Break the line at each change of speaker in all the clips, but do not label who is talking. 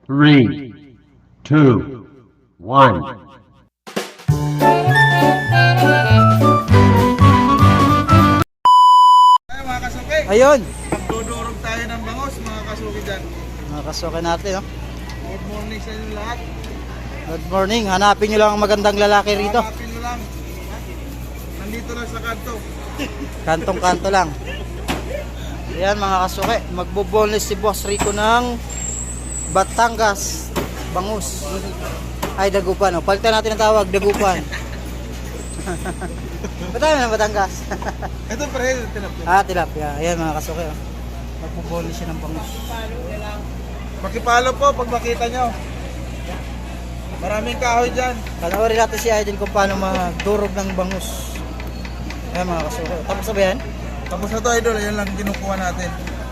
Three, two, one.
Ay mga kasuki,
Ayun,
magdudurog tayo ng bangos mga kasuki dyan.
nakasukin natin. Oh.
Good morning sa inyo lahat.
Good morning. Hanapin nyo lang ang magandang lalaki rito.
Hanapin nyo lang. Nandito lang sa kanto.
Kantong-kanto lang. Ayan mga kasuke, magbo-boneless si Boss Rico ng Batangas bangus. Ay, Dagupan. Oh. Palitan natin ang tawag, Dagupan. Ba't tayo ng Batangas?
Ito pre, tinapin.
Tilapia. Ayan mga kasuke. Oh. Magbo-boneless siya ng bangus.
Pakipalo po pag makita nyo. Maraming kahoy dyan.
Panoorin natin si Idol kung paano magdurog ng bangus. Ayan mga kasuke. Tapos na ba yan?
Tapos na to idol, yan lang kinukuha natin.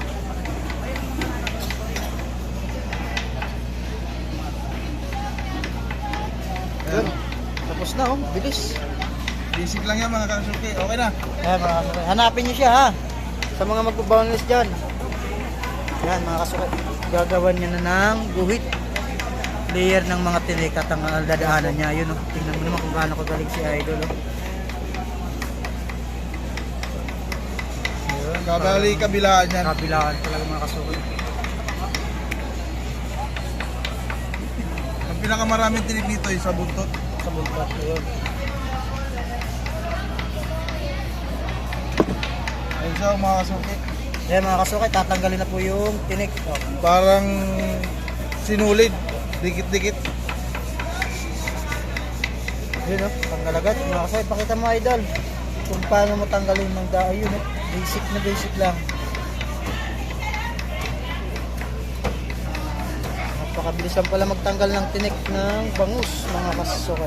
Yun. Tapos na oh, bilis.
Basic lang yan mga kasuki. Okay na.
Ayan mga kasuke. Hanapin nyo siya ha. Sa mga magbo-boneless dyan. Ayan mga kasuke. Gagawan nyo na ng guhit. Layer ng mga tinik at ang dadaanan niya. Yun oh. Tingnan mo naman kung gaano kagaling si Idol oh. Ayun.
Kabali kabilaan yan.
Kabilaan talaga mga kasuke.
Ang pinakamaraming tinig dito ay sa buntot.
Sa buntot. Ayun.
Ayun siya mga kasuki.
Ayan mga kasuke. Tatanggalin na po yung tinik. Oh.
Parang sinulid. Dikit-dikit.
Yun oh. Tanggal agad. Mga kasuke. Pakita mo Idol. Kung paano mo tanggalin ng dahon. Yun oh. Basic na basic lang. Napakabilis lang pala magtanggal ng tinik ng bangus mga kasuke.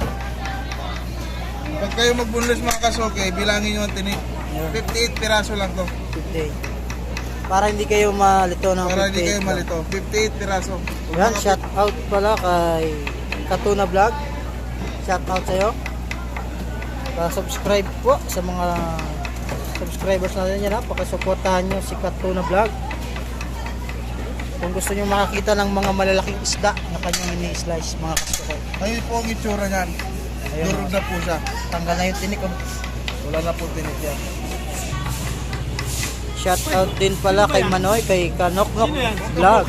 Pag kayo magbunlis mga kasuki, bilangin nyo ang tinig. 58 piraso lang to.
50. Para hindi kayo malito ng
Para hindi
58
kayo
lang.
malito. 58 piraso.
Yan, shout out pala kay Katuna Vlog. Shout out sa'yo. Subscribe po sa mga subscribers natin yan ha. Pakisuportahan nyo si Katuna Vlog. Kung gusto nyo makakita ng mga malalaking isda na kanyang ini-slice mga kasuke.
Ayun po ang itsura niyan.
Ayun.
Durog na po siya.
Tanggal na yung tinik. Oh.
Wala na po tinig yan.
Shout out din pala kay Manoy, kay Kanoknok Vlog.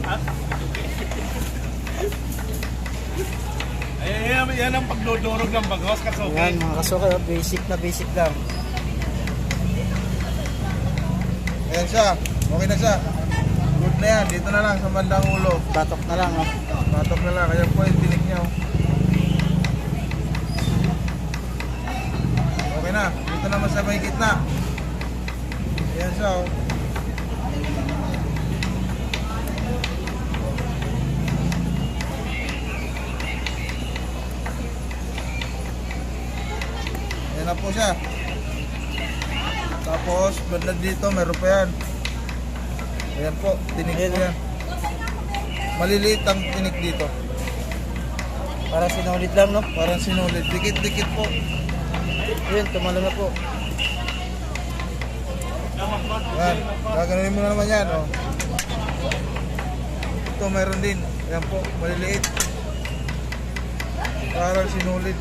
Yan ang pagdudurog ng bagos kasuki.
Yan mga kasuke, oh. Basic lang.
Ayan siya. Okay na siya. Good na yan. Dito na lang sa bandang ulo.
Batok na lang. Oh.
Patok na lang. Kaya po yung tinig niya. Oh. Okay na. Dito naman sa may gitna. Ayan siya. Oh. Ayan na po siya. Tapos, banda dito, meron pa yan. Ayan po, tinig
Ayan,
po yan. Maliliit ang tinig dito.
Para sinulit lang no.
Parang sinulid. Dikit-dikit po.
Ayun, tumalo na po.
Ayan, gaganunin mo na naman yan. Oh. Ito, mayroon din. Ayan po, maliliit. Parang sinulid.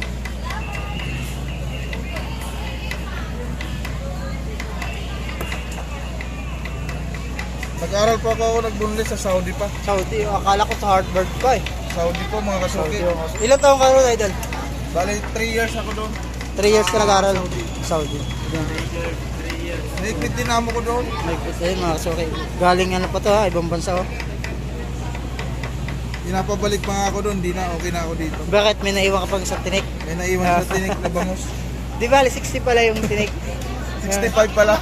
Nag-aral po ako nagbunlis sa Saudi pa.
Saudi, oh, akala ko sa Harvard pa eh.
Saudi po mga kasuki.
Saudi, oh. Ilan taong ka ron, Idol?
Bali, 3 years ako doon.
3 years ka nag-aral. Saudi. Yan.
Naipit din amo ko doon.
May ayun mga kasuke. Galing ano pa to ha, ibang bansa oh.
Pinapabalik pa nga ako doon, di na okay na ako dito.
Bakit may naiwan ka pang sa tinik?
May naiwan sa tinik na bangus.
Di ba, 60 pala yung tinik.
65 pala.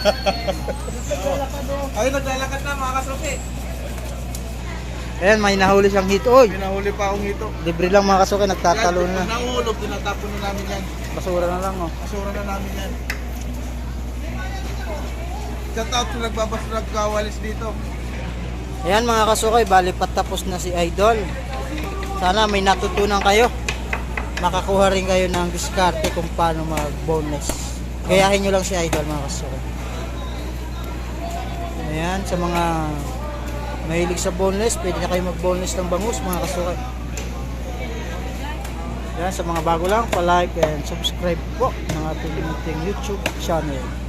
Ay, naglalakad na mga kasuki.
Ayan, may nahuli siyang hito. Oy,
Pinahuli pa akong ito.
libre lang mga kasuke, nagtatalo
Yan,
na.
pag nahulog, tinatapon na namin yan.
Basura na lang oh.
Kasura na namin yan. Shout out sa nagkawalis dito.
Ayan mga kasuke, bali patapos na si Idol. Sana may natutunan kayo. Makakuha rin kayo ng diskarte kung paano mag-boneless. Gayahin nyo lang si Idol mga kasuke. Ayan, sa mga mahilig sa boneless, pwede na kayo mag-boneless ng bangus mga kasukat. Yan, sa mga bago lang, pa-like and subscribe po ng ating YouTube channel.